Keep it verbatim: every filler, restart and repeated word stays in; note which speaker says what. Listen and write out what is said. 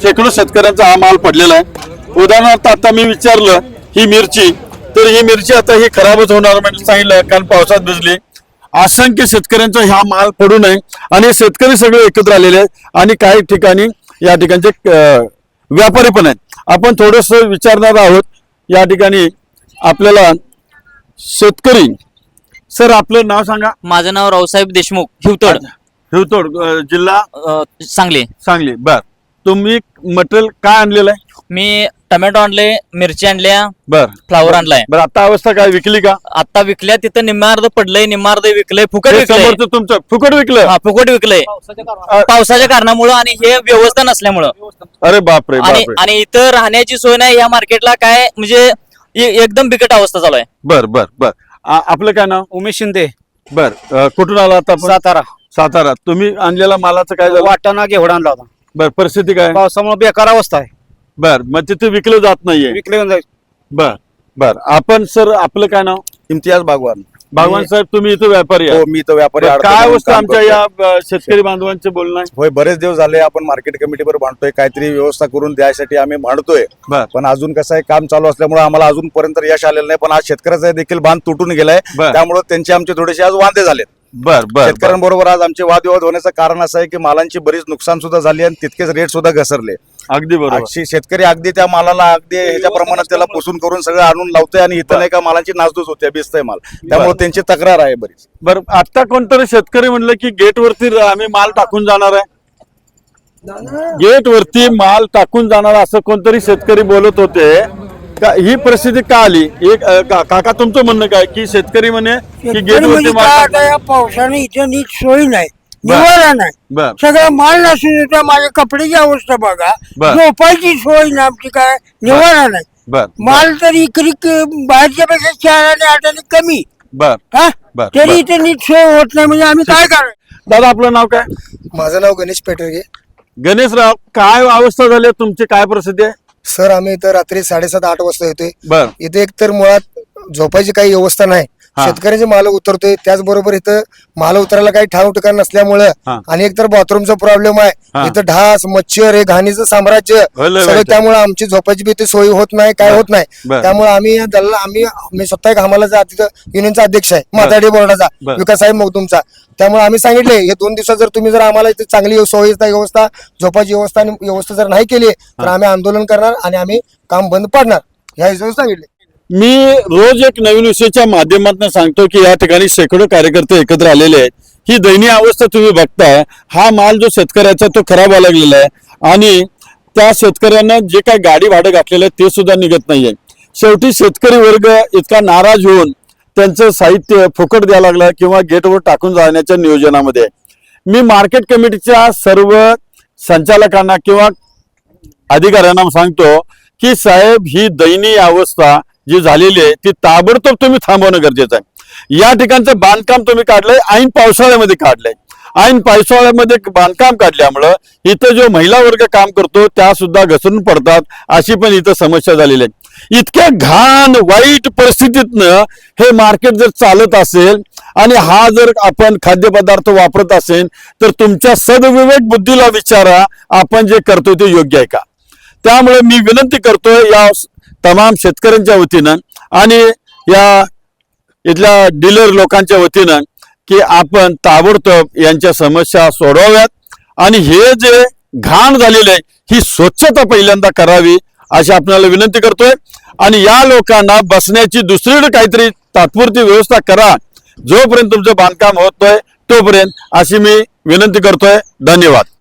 Speaker 1: शेकडो शेतकऱ्यांचा हा माल पडलेला आहे। उदाहरणार्थ आता मी विचारलं ही मिरची, तर ही मिरची आता ही खराबच होणार म्हणजे सांगितलं, कारण पावसात भिजली। असंख्य शेतकऱ्यांचा हा माल पडू नये आणि शेतकरी सगळे एकत्र आलेले आहेत आणि काही ठिकाणी या ठिकाणचे व्यापारी पण आहेत। आपण थोडस विचारणार आहोत या ठिकाणी आपल्याला शेतकरी। सर आपलं नाव सांगा।
Speaker 2: माझं नाव रावसाहेब देशमुख, हिवतड
Speaker 1: हिवतड जिल्हा
Speaker 2: अ, सांगली।
Speaker 1: सांगली। बर, तुम्ही मटेरियल काय आणलेलं आहे?
Speaker 2: मी टोमॅटो आणले, मिरची आणल्या,
Speaker 1: बर,
Speaker 2: फ्लावर आणलाय।
Speaker 1: बरं आता अवस्था काय, विकली का?
Speaker 2: आता विकल्या, तिथं निम्मार्ध पडलंय, निम्मार्ध विकलंय, फुकट
Speaker 1: हे
Speaker 2: विकलंय।
Speaker 1: समोरचं तुमचं फुकट विकलं?
Speaker 2: हा, फुकट विकलंय पावसाच्या कारणामुळं आणि हे व्यवस्था नसल्यामुळं।
Speaker 1: अरे बापरे
Speaker 2: आणि
Speaker 1: बापरे।
Speaker 2: आणि इथं राहण्याची सोय नाही या मार्केटला, काय म्हणजे ए- एकदम बिकट अवस्था चालू आहे।
Speaker 1: बर बर बर आ- आपलं काय नाव?
Speaker 3: उमेश शिंदे,
Speaker 1: बर, अ, कुठून आला आता आपण?
Speaker 3: सातारा।
Speaker 1: सातारा। तुम्ही आणलेला मालाचं काय झालं?
Speaker 3: वाटाणा घेवडा आणला होता,
Speaker 1: बर, परिस्थिती काय?
Speaker 3: पावसामुळे बेकार अवस्था आहे,
Speaker 1: बर, मग तिथे विकलं जात नाहीये?
Speaker 3: विकले जाईल।
Speaker 1: बर बर, आपण सर आपलं काय नाव?
Speaker 4: इम्तियाज बागवान।
Speaker 1: भगवान साहेब तुम्ही इथं व्यापारी
Speaker 4: हो,
Speaker 1: आहे?
Speaker 4: मी तर व्यापारी
Speaker 1: बरं,
Speaker 4: आडतो
Speaker 1: काय
Speaker 4: म्हणून
Speaker 1: अवस्था
Speaker 4: काम
Speaker 1: आमच्या
Speaker 4: करतोय.
Speaker 1: या अ, शेतकरी बांधवांचे बोलणं आहे?
Speaker 4: होय, बरेच दिवस झाले आपण मार्केट कमिटीवर भांडतोय, काहीतरी व्यवस्था करून द्यायसाठी आम्ही भांडतोय,
Speaker 1: बर
Speaker 4: पण अजून कसं आहे, काम चालू असल्यामुळे आम्हाला अजूनपर्यंत यश आलेलं नाही। पण आज शेतकऱ्याचा देखील बांध तुटून गेलाय,
Speaker 1: बर.
Speaker 4: त्यामुळे त्यांचे आमचे थोडेसे आज वांदे झालेत।
Speaker 1: बर बर बर
Speaker 4: शेतकऱ्यांबरोबर आज आमचे वादविवाद होण्याचं कारण असं आहे की मालांची बरीच नुकसान सुद्धा झाली आणि तितकेच रेट सुद्धा घसरले।
Speaker 1: अगदी बरोबर।
Speaker 4: अशी शेतकरी अगदी त्या मालाला अगदी ह्याच्या प्रमाणात त्याला पुसून करून सगळं आणून लावतोय आणि इथं नाही का मालांची नासधूस होते, भिजतंय माल, त्यामुळे त्यांची तक्रार आहे बरीच।
Speaker 1: बर, आता कोणतरी शेतकरी म्हणलं की गेट वरती आम्ही माल टाकून जाणार आहे, गेट वरती माल टाकून जाणार असं कोणतरी शेतकरी बोलत होते का? ही परिस्थिती का आली? एक अ, का- काका तुमचं म्हणणं काय की शेतकरी म्हणे की गेट
Speaker 5: म्हणजे
Speaker 1: वरती माल
Speaker 5: काय
Speaker 1: टाकून-
Speaker 5: आता या पावसाने इथे नीट सोय नाही,
Speaker 1: बर.
Speaker 5: निवारा नाही,
Speaker 1: बर
Speaker 5: सगळं माल नसून येतं। माझ्या कपड्याची अवस्था बघा,
Speaker 1: बर.
Speaker 5: झोपायची सोय नाही आमची, काय निवारा नाही।
Speaker 1: बर
Speaker 5: माल तरी इकरी बाहेरच्या पेक्षा चार आणि आठ आणि कमी,
Speaker 1: बर
Speaker 5: हा
Speaker 1: बर,
Speaker 5: तरी
Speaker 1: बर.
Speaker 5: इथे नीट सोय होत नाही, म्हणजे आम्ही काय करायचं?
Speaker 1: दादा आपलं नाव काय?
Speaker 6: माझं नाव गणेश पेटरगे।
Speaker 1: गणेशराव, काय अवस्था झाली आहे तुमची, काय परिस्थिती आहे?
Speaker 6: सर आम्ही इथं रात्री साडेसात आठ वाजता येतोय।
Speaker 1: बर
Speaker 6: इथे एकतर मुळात झोपायची काही व्यवस्था नाही,
Speaker 1: हा.
Speaker 6: शेतकऱ्यांचे माल उतरतोय, त्याचबरोबर इथं माल उतरायला काही ठाव ठिकाण नसल्यामुळं
Speaker 1: हा.
Speaker 6: आणि एकतर बाथरूमचा प्रॉब्लेम
Speaker 1: हा.
Speaker 6: आहे, इथं ढास मच्छर हे घाणीचं साम्राज्य
Speaker 1: लय
Speaker 6: सगळं,
Speaker 1: वाईट आहे.
Speaker 6: त्यामुळे आमची झोपायची भीती सोयी होत नाही, काय
Speaker 1: बर.
Speaker 6: होत नाही।
Speaker 1: बर.
Speaker 6: त्यामुळे आम्ही या दल्ला आम्ही मी स्वतः एक हमालाचा तिथं युनियनचा अध्यक्ष आहे, माथाडी बोर्डाचा
Speaker 1: बर.
Speaker 6: विकास साहेब मगदुमचा। त्यामुळे आम्ही सांगितले हे दोन दिवसात जर तुम्ही जर आम्हाला इथे चांगली सोयीचा व्यवस्था, झोपाची व्यवस्था आणि व्यवस्था जर नाही केली तर आम्ही आंदोलन करणार आणि आम्ही काम बंद पाडणार, ह्या हिशोबाने सांगितले।
Speaker 1: मी रोज एक नवीन विषयाच्या माध्यमातून सांगतो की या ठिकाणी शेकडो कार्यकर्ते एकत्र आलेले आहेत। ही दयनीय अवस्था तुम्ही बघताय, हा माल जो शेतकऱ्याचा तो खराब व्हायला लागलेला आहे आणि त्या शेतकऱ्यांना जे काय गाडी भाडं घातलेलं आहे ते सुद्धा निघत नाहीये। शेवटी शेतकरी वर्ग इतका नाराज होऊन त्यांचं साहित्य फुकट द्यायला लागलं किंवा गेटवर टाकून जाण्याच्या नियोजनामध्ये आहे। मी मार्केट कमिटीच्या सर्व संचालकांना किंवा अधिकाऱ्यांना सांगतो की साहेब, ही दयनीय अवस्था जी झालेली आहे ती ताबडतोब तुम्ही थांबवणं गरजेचं आहे। या ठिकाणचं बांधकाम तुम्ही काढलंय, ऐन पावसाळ्यामध्ये काढलंय, ऐन पावसाळ्यामध्ये बांधकाम काढल्यामुळं इथं जो महिला वर्ग काम करतो त्या सुद्धा घसरून पडतात, अशी पण इथं समस्या झालेली आहे। इतक्या घाण वाईट परिस्थितीतनं हे मार्केट जर चालत असेल आणि हा जर आपण खाद्यपदार्थ वापरत असेल तर तुमच्या सद्विवेक बुद्धीला विचारा, आपण जे करतोय ते योग्य आहे का? त्यामुळे मी विनंती करतोय या तमाम शेतकऱ्यांच्या वतीनं आणि या इथल्या डीलर लोकांच्या वतीनं की आपण ताबडतोब यांच्या समस्या सोडवाव्यात आणि हे जे घाण झालेलं आहे ही स्वच्छता पहिल्यांदा करावी अशी आपल्याला विनंती करतोय। आणि या लोकांना बसण्याची दुसरीकडे काहीतरी तात्पुरती व्यवस्था करा, जोपर्यंत तुमचं बांधकाम होतोय तोपर्यंत, अशी मी विनंती करतोय। धन्यवाद।